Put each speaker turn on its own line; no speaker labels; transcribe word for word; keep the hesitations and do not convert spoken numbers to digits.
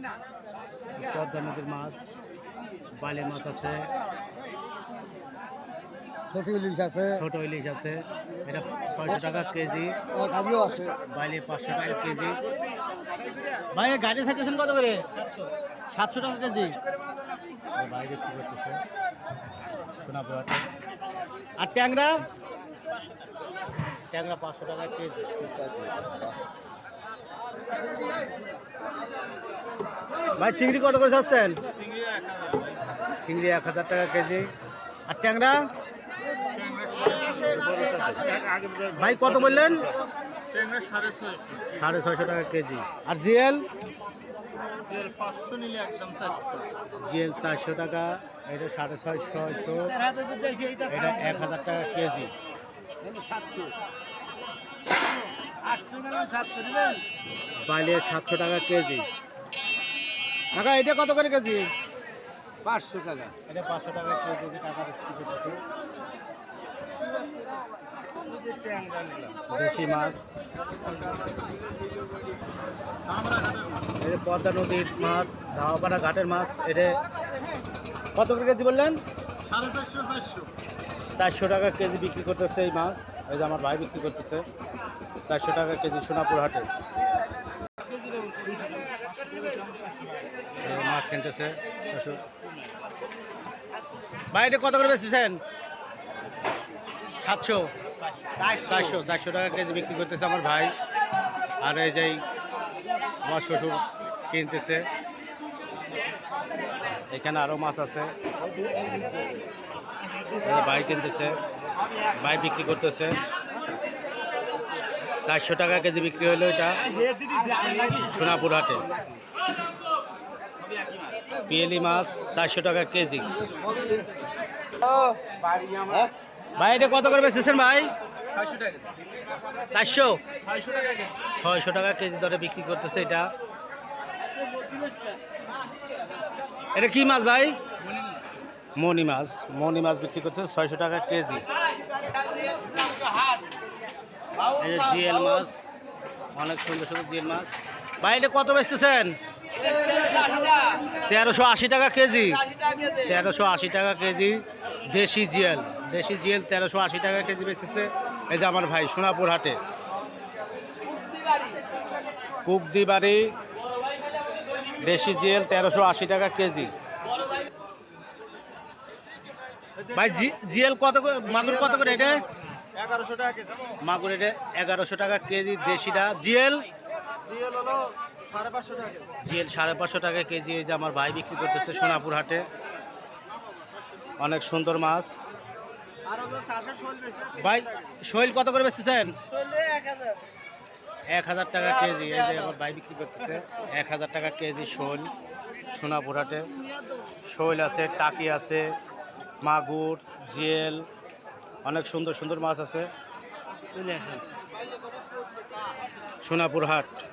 পদ্মা নদীর মাছ, বালি মাছ আছে,
ছোট ইলিশ আছে,
ছোট ইলিশ আছে। এটা ছয়শো টাকা কেজি,
আছে
বাইলে পাঁচশো টাকা কেজি। ভাই গাড়ি চাইতেছেন কত করে? সাতশো টাকা কেজি বাইরে কি করতেছে সোনাপুরাতে। আর ট্যাংরা ট্যাংরা পাঁচশো টাকা কেজি। ভাই চিংড়ি কত করে চাচ্ছেন? চিংড়ি এক হাজার টাকা কেজি। আর ট্যাংরা ভাই কত বললেন? সাড়ে ছয়শো টাকা কেজি। আর জিএল জিএল চারশো টাকা, এটা সাড়ে ছয়শো, এটা এক হাজার টাকা কেজি। বাইলে সাতশো টাকা কেজি। টাকা এটা কত করে কেজি?
পাঁচশো টাকা।
এটা পাঁচশো টাকা কেজি টাকা বিক্রি করতেছে। দেশি মাছ, এটা পদ্মা নদীর মাছ, ধাওয়াপাড়া ঘাটের মাছ। এটা কত করে কেজি বললেন?
সাড়ে চারশো চারশো
চারশো টাকা কেজি বিক্রি করতেছে এই মাছ। এই যে আমার ভাই বিক্রি করতেছে চারশো টাকা কেজি সোনাপুর হাটে। মাছ কিনতেছে ভাই। এটা কত করে বেচতেছেন? সাতশো চারশো চারশো টাকা কেজি বিক্রি করতেছে আমার ভাই। আর এই যে আমার শ্বশুর কিনতেছে। এখানে আরো মাছ আছে, ভাই কিনতেছে, ভাই বিক্রি করতেছে। চারশো টাকা কেজি বিক্রি হলো এটা সোনাপুর হাটে। পিয়েলি মাছ চারশো টাকা কেজি। ভাই এটা কত করে বেচতেছেন ভাই? চারশো ছয়শো টাকা কেজি দরে বিক্রি করতেছে এটা। এটা কি মাছ ভাই? মনি মাছ। মনি মাছ বিক্রি করতেছে ছয়শো টাকা কেজি। এই যে জিএল মাছ, অনেক সুন্দর সুন্দর জিএল মাছ। ভাই এটা কত বেচতেছেন? তেরোশো আশি টাকা কেজি। তেরোশো আশি টাকা কেজি দেশি জিএল। দেশি জিএল তেরোশো আশি টাকা কেজি বেচতেছে এই যে আমার ভাই সোনাপুর হাটে। কুবদি বাড়ি দেশি জিএল তেরোশো আশি টাকা কেজি। ভাই জিএল কত করে? মাগুর কত করে এটা?
এগারোশো টাকা কেজি।
মাগুর এটা এগারোশো টাকা কেজি দেশিটা। জিএল
জিএল হলো সাড়ে পাঁচশো টাকা কেজি।
জিএল সাড়ে পাঁচশো টাকা কেজি এই যে আমার ভাই বিক্রি করতেছে সোনাপুর হাটে। অনেক সুন্দর মাছ। ভাই শৈল কত করে বেচতেছেন? এক হাজার টাকা কেজি এই যে আমার ভাই বিক্রি করতেছে এক হাজার টাকা কেজি শৈল সোনাপুর হাটে। শৈল আছে, টাকি আছে, মাগুর, জিএল, অনেক সুন্দর সুন্দর মাছ আছে সোনাপুর হাট।